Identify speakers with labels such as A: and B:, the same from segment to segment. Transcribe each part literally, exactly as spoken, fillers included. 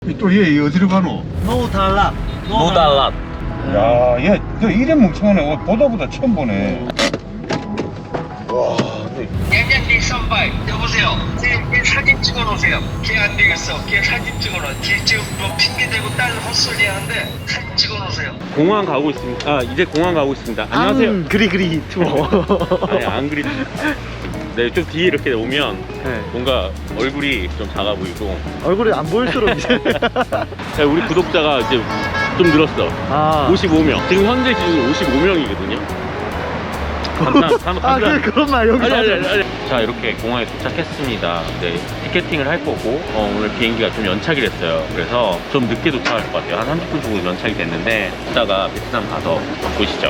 A: 또 얘 어디로 가노?
B: 노달라.
C: 노달랏.
A: 야, 얘, 너 이래 멍청하네. 어, 보다 보다 처음 보네. 와,
D: 양양리 선바이 여보세요. 제, 제 사진 찍어놓으세요. 걔 안 되겠어. 걔 사진 찍어놔. 걔 지금 뭐 핑계 대고 딴 헛소리 하는데 사진 찍어놓으세요.
C: 공항 가고 있습니다. 아 이제 공항 가고 있습니다. 안녕하세요.
B: 안 그리 그리 투어.
C: 아니 안 그리. 네, 좀 뒤에 이렇게 오면
B: 네.
C: 뭔가 얼굴이 좀 작아 보이고.
B: 얼굴이 안 보일수록 이제.
C: 자, 우리 구독자가 이제 좀 늘었어.
B: 아.
C: 오십오 명. 지금 현재 기준 오십오 명이거든요. 감사, 감,
B: 아,
C: 감사.
B: 그 그런 말 여기.
C: 아니, 아니, 아니, 아니. 자, 이렇게 공항에 도착했습니다. 네, 티켓팅을 할 거고 어, 오늘 비행기가 좀 연착이 됐어요. 그래서 좀 늦게 도착할 것 같아요. 한 삼십 분 정도 연착이 됐는데 이따가 베트남 가서 보시죠.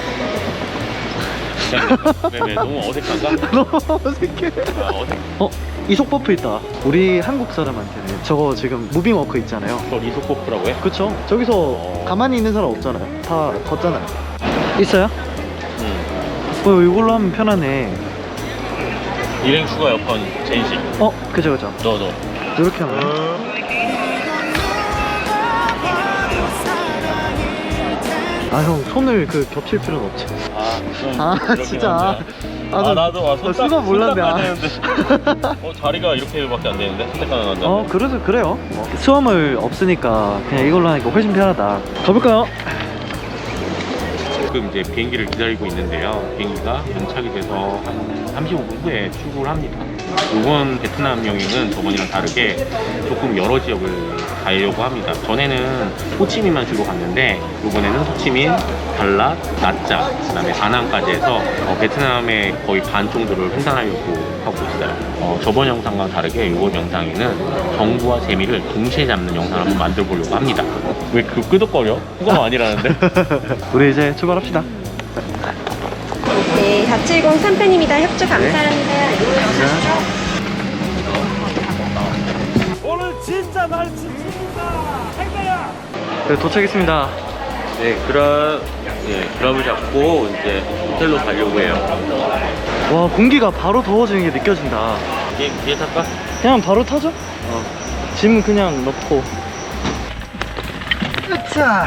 C: 네, 네, 너무 어색한가?
B: 너무 어색해.
C: 아, 어색.
B: 어? 이속 버프 있다. 우리 한국 사람한테는 저거 지금 무빙 워크 있잖아요.
C: 저 리소코프라고 해?
B: 그쵸? 저기서
C: 어.
B: 가만히 있는 사람 없잖아요. 다 걷잖아요. 있어요?
C: 응.
B: 어, 이걸로 하면 편하네.
C: 일행 추가 여권 젠식.
B: 어? 그죠, 그죠.
C: 너, 너.
B: 이렇게 하면. 아, 형, 손을 그 겹칠 필요는 없지.
C: 아, 좀
B: 아,
C: 그렇긴
B: 진짜.
C: 한데.
B: 아,
C: 아,
B: 나-
C: 나도 아,
B: 나
C: 손
B: 수가
C: 딱-
B: 몰랐네.
C: 손
B: 아.
C: 닦아야 되는데. 어, 자리가 이렇게밖에 안 되는데? 선택 가능한데?
B: 어, 그래서 그래요. 어, 수험을 없으니까 그냥 이걸로 하니까 훨씬 편하다. 가볼까요?
C: 지금 이제 비행기를 기다리고 있는데요. 비행기가 연착이 돼서 한 삼십오 분 후에 출국을 합니다. 이번 베트남 여행은 저번이랑 다르게 조금 여러 지역을 가려고 합니다. 전에는 호치민만 주로 갔는데 이번에는 호치민, 달랏, 나짜, 그 다음에 다낭까지 해서 어, 베트남의 거의 반 정도를 횡단하려고 하고 있어요. 어, 저번 영상과 다르게 이번 영상에는 정부와 재미를 동시에 잡는 영상을 한번 만들어 보려고 합니다. 왜 그 끄덕거려? 그거 아니라는데?
B: 우리 이제 출발합시다.
E: 네, 사칠공삼 편입니다. 협조 감사합니다.
B: 네, 도착했습니다.
C: 네, 그럼 예, 그럼을 잡고 이제 호텔로 가려고 해요.
B: 와, 공기가 바로 더워지는 게 느껴진다.
C: 뒤에, 뒤에 탈까?
B: 그냥 바로 타죠? 어. 짐 그냥 넣고. 자.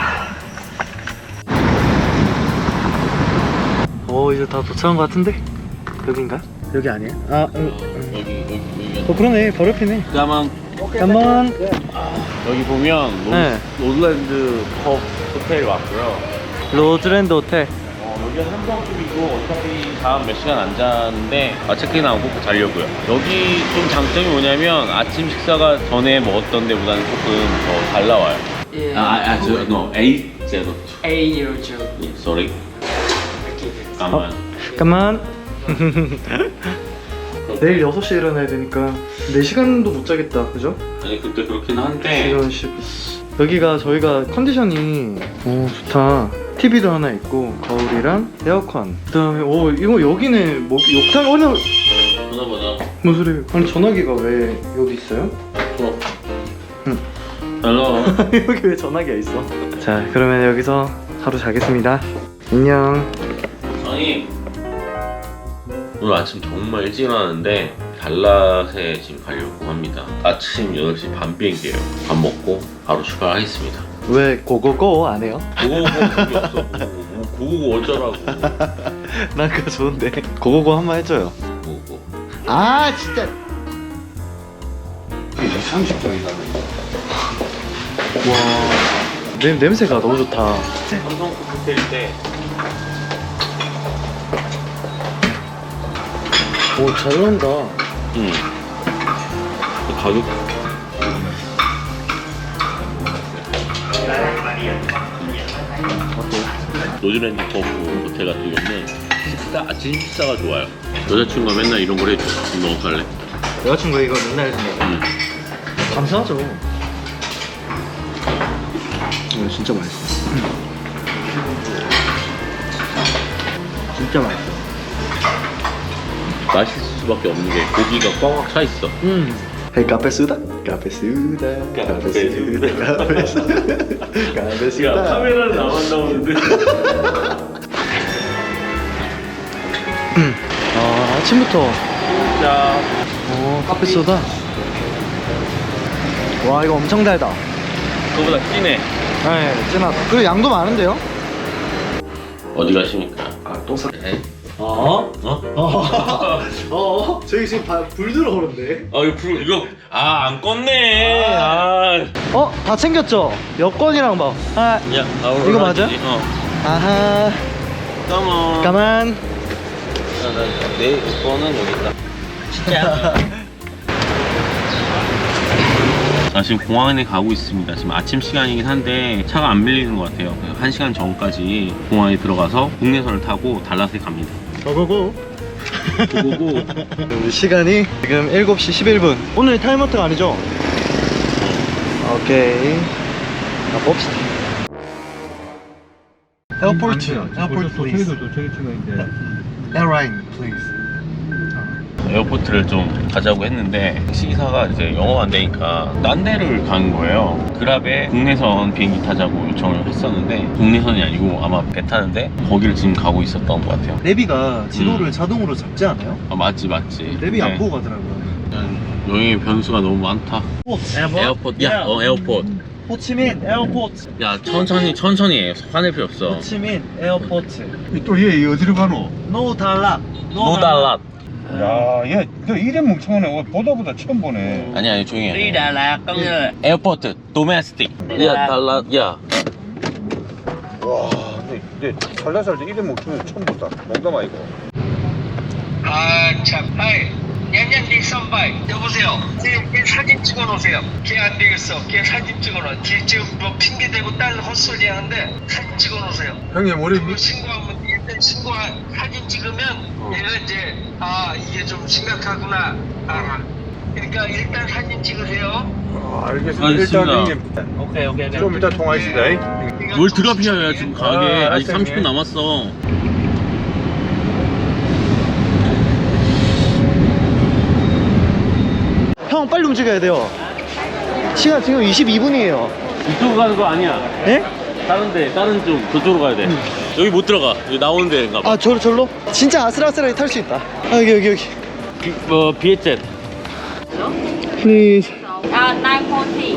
B: 어, 이제 다 도착한 것 같은데? 여긴가? 여기 아니야? 아, 응. 응.
C: 여기 여기 여기.
B: 어, 그러네. 바로 옆이네.
C: 까만
B: 잠깐만.
C: 여기 보면 노,
B: 네.
C: 노드랜드 펍 호텔 왔고요.
B: 로즈랜드 호텔.
C: 어, 여기가 삼성집이고 어차피 다음 몇 시간 안 자는데 아 체크인하고 자려고요. 여기 좀 장점이 뭐냐면 아침 식사가 전에 먹었던 데보다는 조금 더 잘 나와요.
F: Yeah.
C: 아, 아, 저, no, 에이 제로.
F: eight zero two.
C: 예, sorry. 까만.
B: 잠깐만. 내일 여섯 시에 일어나야 되니까 네 시간도 못 자겠다. 그죠?
C: 아니 그때 그렇긴 한데.
B: 이런 식. 여기가 저희가 컨디션이 오 좋다. 티비도 하나 있고 거울이랑 에어컨. 그다음에 오 이거 여기는 뭐 욕탕 어느
C: 보자 보자.
B: 무슨 소리? 아니 전화기가 왜 여기 있어요?
C: 어.
B: 응.
C: 헬로.
B: 여기 왜 전화기가 있어? 자 그러면 여기서 하루 자겠습니다. 안녕.
C: 아니 오늘 아침 정말 일찍 일어났는데 달랏에 지금 가려고 합니다. 아침 여덟 시 반 비행기예요. 밥 먹고 바로 출발하겠습니다.
B: 왜 고고고 안 해요?
C: 고고고 그게 없어. 뭐 고고고 어쩌라고.
B: 난 그거 좋은데. 고고고 한번 해줘요.
C: 고고고.
B: 아 진짜.
A: 삼십 장이다.
B: 와 냄, 냄새가 너무 좋다.
C: 삼성 호텔 때
B: 오 잘 나온다.
C: 응. 가격 노즈랜드 퍼브 호텔 같은 경우는 식사, 아침 식사가 좋아요. 여자친구가 맨날 이런 걸 해줘. 너 어떡할래?
B: 여자친구 이거 맨날 해준다고?
C: 응.
B: 감사하죠. 이거 진짜 맛있어. 진짜 맛있어.
C: 맛있을 수밖에 없는 게 고기가 꽉꽉 차 있어.
B: 음. Hey, 카페 수다? 카페 수다. 카페 수다. 카페 수다. 카페 수다.
C: 카메라는 나만 나오는데.
B: 아, 아침부터.
C: 자,
B: 오, 카페 소다. 와, 이거 엄청 달다.
C: 그거보다 진해.
B: 네, 진하다. 그리고 양도 많은데요?
C: 어디 가십니까?
B: 아, 또 사.
C: 네.
B: 어?
C: 어?
B: 어? 어? 저기 지금 바, 불 들어오는데?
C: 아 이거 불 이거 아 안 껐네. 아.
B: 어? 다 챙겼죠? 여권이랑 뭐. 아,
C: 야,
B: 이거 맞아?
C: 어.
B: 아하.
C: 까만.
B: 가만.
C: 내 거는 여기 있다. 진짜. 나 지금 공항에 가고 있습니다. 지금 아침 시간이긴 한데 차가 안 밀리는 것 같아요. 한 시간 전까지 공항에 들어가서 국내선을 타고 달라스에 갑니다.
B: 고고고.
C: 고고고.
B: 우리 시간이 지금 일곱 시 십일 분. 오늘 타임아웃가 아니죠? 오케이. 자, 봅시다. 에어포트. 에어포트, please. Airline, please.
C: 에어포트를 좀 가자고 했는데 택시기사가 이제 영어가 안 되니까 딴 데를 가는 거예요. 그랍에 국내선 비행기 타자고 요청을 했었는데 국내선이 아니고 아마 배 타는데 거기를 지금 가고 있었던 것 같아요.
B: 내비가 지도를
C: 음.
B: 자동으로 잡지 않아요?
C: 아 맞지 맞지.
B: 내비 안
C: 네.
B: 보고 가더라고요.
C: 여행의 변수가 너무 많다.
B: 에어포트.
C: 에어포트 야, 어 에어포트.
B: 호치민 에어포트.
C: 야 천천히 천천히 해. 화낼 필요 없어.
B: 호치민 에어포트.
A: 또얘 어디로 가노?
B: 노 달라.
C: 노달랏.
A: 야, 얘, 너 이래 멍청하네. 어, 보다 보다 처음 보네.
C: 아니 아니 조용히 해. 에어포트 도메스틱. 야 달랏 야.
A: 와, 근데, 근데 살다 살다 이래 멍청한 처음 보다. 농담 아니고.
D: 아, 참. 하이. 냠냠님 선바이. 여보세요. 걔, 걔 사진 찍어 놓으세요. 걔 안 되겠어. 걔 사진 찍어 놓아. 걔 지금 뭐 핑계 대고 딴 헛소리 하는데 사진 찍어 놓으세요.
A: 형님, 우리
D: 그리고 신고하면 일단 신고 사진 찍으면 얘가 이제 아 이게 좀 심각하구나 알아. 그러니까 일단 사진 찍으세요.
A: 아, 알겠습니다.
C: 알겠습니다.
A: 일단 형님
B: 오케이 오케이.
A: 좀 이따 통화하시다. 잉?
C: 뭘 드랍이야 지금 가게.
A: 아,
C: 아직
A: 알았어,
C: 삼십 분
A: 형님.
C: 남았어.
B: 형 빨리 움직여야 돼요. 시간 지금 이십이 분이에요.
C: 이쪽으로 가는 거 아니야.
B: 예?
C: 다른 데 다른 쪽 저쪽으로 가야 돼. 여기 못 들어가. 여기 나오는 데인가 봐.
B: 아 저로 절로? 진짜 아슬아슬하게 탈 수 있다. 아 여기 여기 여기.
C: 비, 뭐 비에젯.
B: Please.
E: 아, nine forty.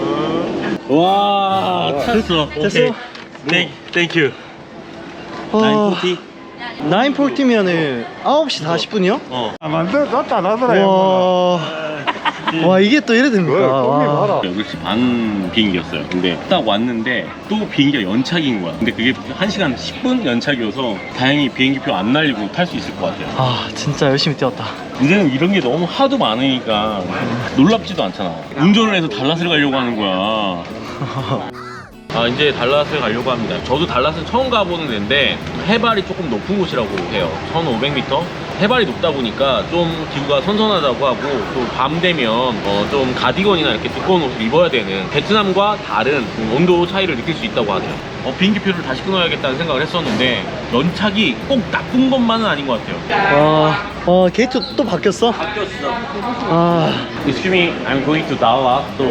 C: 와 탔어.
B: 됐어?
C: 땡 땡큐.
B: 아,
C: 나인포티.
B: 나인 포티면은 아홉 시 사십 분이요?
C: 어.
A: 아, 만들어 놨다 안 하더라, 형.
B: 와. 와 이게 또 이래 됩니까?
A: 왜? 똥이
B: 와.
A: 많아.
C: 여덟 시 반 비행기였어요. 근데 딱 왔는데 또 비행기가 연착인 거야. 근데 그게 한 시간 십 분 연착이어서 다행히 비행기표 안 날리고 탈 수 있을 것 같아요.
B: 아 진짜 열심히 뛰었다.
C: 이제는 이런 게 너무 하도 많으니까 놀랍지도 않잖아. 운전을 해서 달랏을 가려고 하는 거야. 아 이제 달랏을 가려고 합니다. 저도 달랏은 처음 가보는 데인데 해발이 조금 높은 곳이라고 해요. 천오백 미터? 해발이 높다 보니까 좀 기후가 선선하다고 하고 또 밤 되면 어, 좀 가디건이나 이렇게 두꺼운 옷을 입어야 되는 베트남과 다른 그 온도 차이를 느낄 수 있다고 하네요. 어, 비행기표를 다시 끊어야겠다는 생각을 했었는데 연착이 꼭 나쁜 것만은 아닌 것 같아요.
B: 와, 어 게이트 또 바뀌었어?
C: 바뀌었어.
B: 아,
C: Excuse me, I'm going to Dallas. So,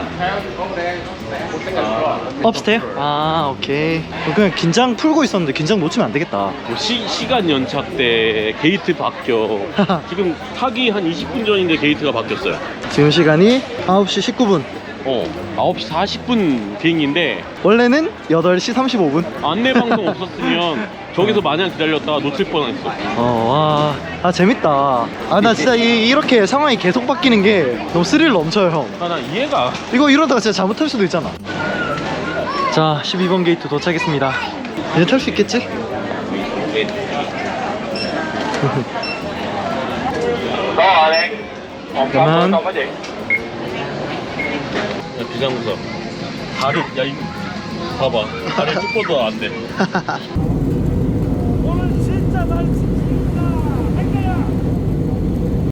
B: 업스테어? 아, 오케이. 그냥 긴장 풀고 있었는데 긴장 놓치면 안 되겠다.
C: 뭐 시, 시간 연착 때 게이트 바뀌어. 지금 타기 한 이십 분 전인데 게이트가 바뀌었어요.
B: 지금 시간이 아홉 시 십구 분.
C: 어, 아홉 시 사십 분 비행기인데
B: 원래는 여덟 시 삼십오 분.
C: 안내 방송 없었으면 저기서 마냥 기다렸다가 놓칠 뻔했어.
B: 어, 와, 아 재밌다. 아 나 진짜 이, 이렇게 상황이 계속 바뀌는 게 너무 스릴 넘쳐요, 형.
C: 아, 나 이해가.
B: 이거 이러다가 진짜 잘못할 수도 있잖아. 자, 십이 번 게이트 도착했습니다. 이제 탈 수 있겠지? 잠깐만.
C: 야, 비상구석. 다리, 야, 이거. 봐봐. 다리 쭉 뻗어 안 돼.